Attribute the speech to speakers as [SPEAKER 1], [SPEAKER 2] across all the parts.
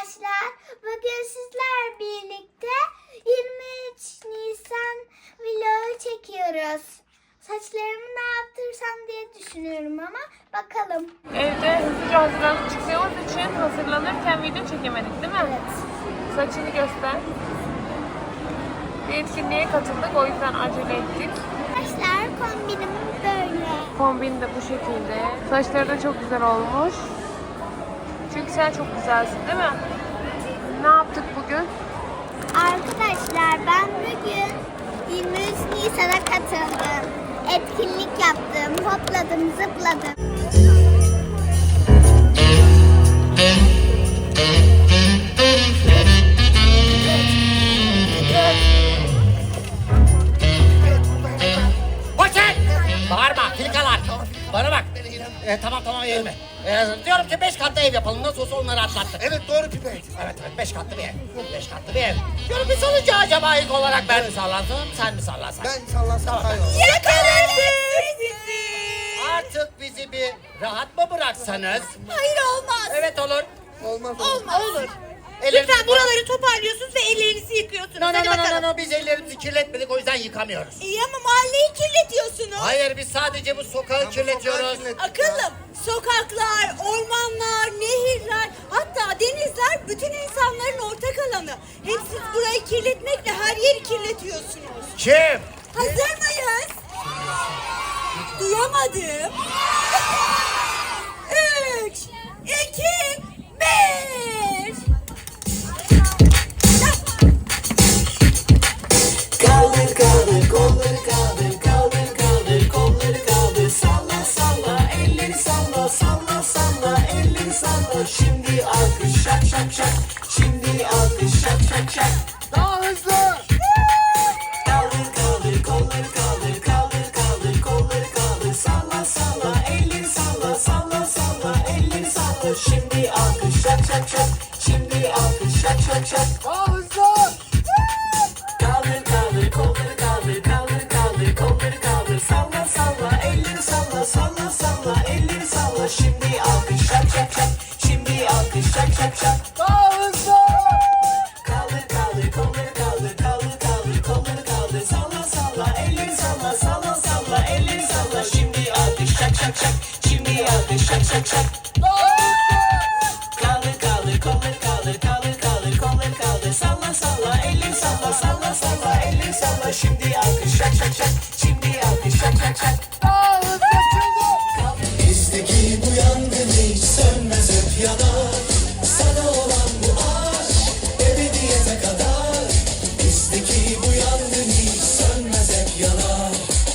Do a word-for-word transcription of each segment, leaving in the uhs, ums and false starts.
[SPEAKER 1] arkadaşlar. Bugün sizler birlikte yirmi üç Nisan vlogu çekiyoruz. Saçlarımı ne yaptırsam diye düşünüyorum ama bakalım.
[SPEAKER 2] Evde hızlıca hazırlanıp çıktığımız için hazırlanırken video çekemedik değil mi?
[SPEAKER 1] Evet.
[SPEAKER 2] Saçını göster. Bir etkinliğe katıldık, o yüzden acele ettik.
[SPEAKER 1] Arkadaşlar kombinim böyle.
[SPEAKER 2] Kombin de bu şekilde. Saçları da çok güzel olmuş. Çünkü sen çok güzelsin değil mi? Ne yaptık bugün?
[SPEAKER 1] Arkadaşlar ben bugün yirmi üç Nisan'a katıldım. Etkinlik yaptım, hopladım, zıpladım.
[SPEAKER 3] Koçer! Bağırma, filikalar. Bana bak. Ee, tamam tamam eğilme. Ee, diyorum ki beş katlı ev yapalım. Nasıl olsa onları atlattık.
[SPEAKER 4] Evet doğru Pipek.
[SPEAKER 3] Evet evet beş katlı bir ev. Beş katlı bir ev. Diyorum bir salınca acaba ilk olarak ben mi sallansam, sen mi sallansan?
[SPEAKER 4] Ben sallansam
[SPEAKER 3] Tamam.
[SPEAKER 4] hayır.
[SPEAKER 3] Artık bizi bir rahat mı bıraksanız?
[SPEAKER 5] Hayır olmaz.
[SPEAKER 3] Evet olur.
[SPEAKER 4] Olmaz
[SPEAKER 5] Olmaz. Olur.
[SPEAKER 3] Ellerimizi
[SPEAKER 5] Lütfen buraları toparlıyorsunuz ve ellerinizi yıkıyorsunuz.
[SPEAKER 3] No, no,
[SPEAKER 5] Hadi
[SPEAKER 3] no, no,
[SPEAKER 5] bakalım.
[SPEAKER 3] no, no. Biz ellerimizi kirletmedik o yüzden yıkamıyoruz.
[SPEAKER 5] İyi ama mahalleyi kirletiyorsunuz.
[SPEAKER 3] Hayır biz sadece bu sokağı kirletiyoruz.
[SPEAKER 5] Akıllım. Sokaklar, ormanlar, nehirler, hatta denizler bütün insanların ortak alanı. Hem siz burayı kirletmekle her yeri kirletiyorsunuz.
[SPEAKER 3] Kim?
[SPEAKER 5] Hazır mıyız? Duyamadım. Üç, iki, bir.
[SPEAKER 6] Kaldır kaldır kolları kaldır kaldır kaldır kolları kaldır salla salla elleri salla salla salla elleri salla şimdi alkış şak şak şak şimdi alkış şak şak şak
[SPEAKER 4] Daha hızlı.
[SPEAKER 6] kaldır kaldır kolları kaldır kaldır kaldır kolları kaldır salla salla elleri salla salla salla elleri salla şimdi alkış şak şak şak şimdi alkış şak şak şak
[SPEAKER 4] Daha hızlı.
[SPEAKER 6] Kaldır kaldır kolları kaldır kaldır kaldır kolları kaldır salla salla elleri salla salla salla elleri salla şimdi alkış şak şak şak şimdi alkış şak şak şak
[SPEAKER 4] Daha hızlı.
[SPEAKER 6] kaldır kaldır kolları kaldır kaldır kaldır kolları kaldır salla salla elleri salla salla salla elleri salla şimdi alkış şak şak şak şimdi alkış şak şak şak kaldır kaldır kolları kaldır kaldır kaldır kolları kaldır salla salla elleri salla salla salla elleri salla şimdi alkış şak şak şak şimdi alkış şak şak şak
[SPEAKER 4] Daha hızlı çıldır.
[SPEAKER 6] bizdeki bu yangın hiç sönmez hep yanar sana olan bu aşk ebediyete kadar bizdeki bu yangın hiç sönmez hep yanar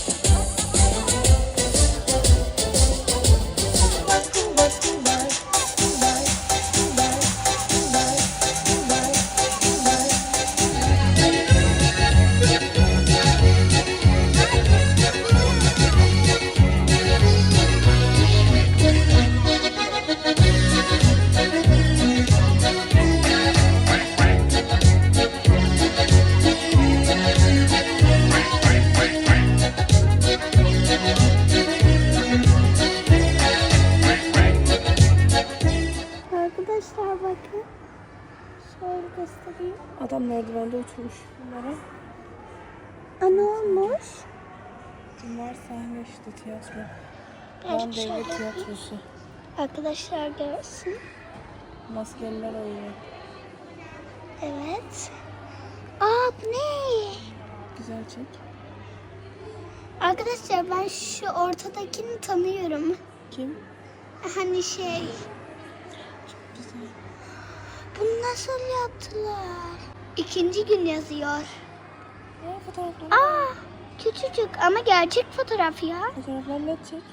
[SPEAKER 1] Arkadaşlar bakın. Şöyle göstereyim.
[SPEAKER 2] Adam merdivende oturmuş bunlara.
[SPEAKER 1] Aa, ne olmuş?
[SPEAKER 2] Bunlar sahne işte tiyatro.
[SPEAKER 1] Evet,
[SPEAKER 2] Van Devlet
[SPEAKER 1] şöyle.
[SPEAKER 2] Tiyatrosu.
[SPEAKER 1] Arkadaşlar görsün.
[SPEAKER 2] Maskeliler oynuyor.
[SPEAKER 1] Evet. Aa bu ne?
[SPEAKER 2] Güzel çek.
[SPEAKER 1] Arkadaşlar ben şu ortadakini tanıyorum.
[SPEAKER 2] Kim?
[SPEAKER 1] Hani şey.
[SPEAKER 2] Güzel.
[SPEAKER 1] Bunu nasıl yaptılar? İkinci gün yazıyor.
[SPEAKER 2] Aa, fotoğraflar.
[SPEAKER 1] Aa küçücük ama gerçek fotoğraf ya.
[SPEAKER 2] Fotoğraflar net çek.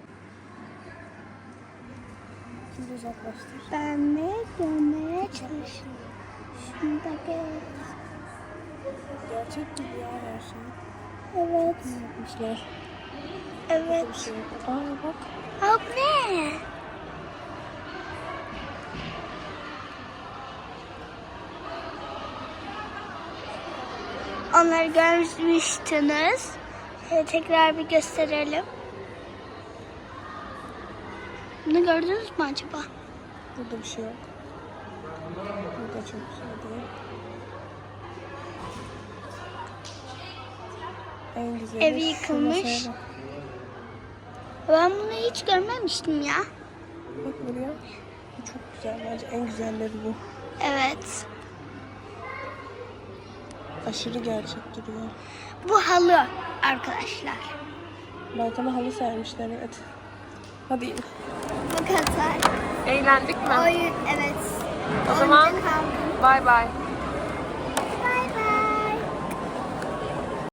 [SPEAKER 2] Şimdi uzaklaştır.
[SPEAKER 1] Ben de görmeye çalışıyorum. Şuradaki.
[SPEAKER 2] Gerçek gibi ya her şey.
[SPEAKER 1] Evet.
[SPEAKER 2] Ne yapmışlar?
[SPEAKER 1] Evet.
[SPEAKER 2] Bir şey yok. Aa bak.
[SPEAKER 1] Aa bu ne? Onları görmüştünüz. Şöyle tekrar bir gösterelim. Bunu gördünüz mü acaba?
[SPEAKER 2] Burada bir şey yok. Bu da çok güzel değil. En güzeli
[SPEAKER 1] Evi
[SPEAKER 2] şu
[SPEAKER 1] yıkılmış.
[SPEAKER 2] masaya bak.
[SPEAKER 1] Ben bunu hiç görmemiştim ya.
[SPEAKER 2] Bak buraya. Bu çok güzel. Bence en güzelleri bu.
[SPEAKER 1] Evet.
[SPEAKER 2] Aşırı gerçek duruyor.
[SPEAKER 1] Bu halı arkadaşlar.
[SPEAKER 2] Balkona halı sermişler, evet. Hadi in.
[SPEAKER 1] Bu kadar.
[SPEAKER 2] Eğlendik mi?
[SPEAKER 1] Oyun evet.
[SPEAKER 2] O zaman
[SPEAKER 1] Oyuncak aldım.
[SPEAKER 2] bay bay.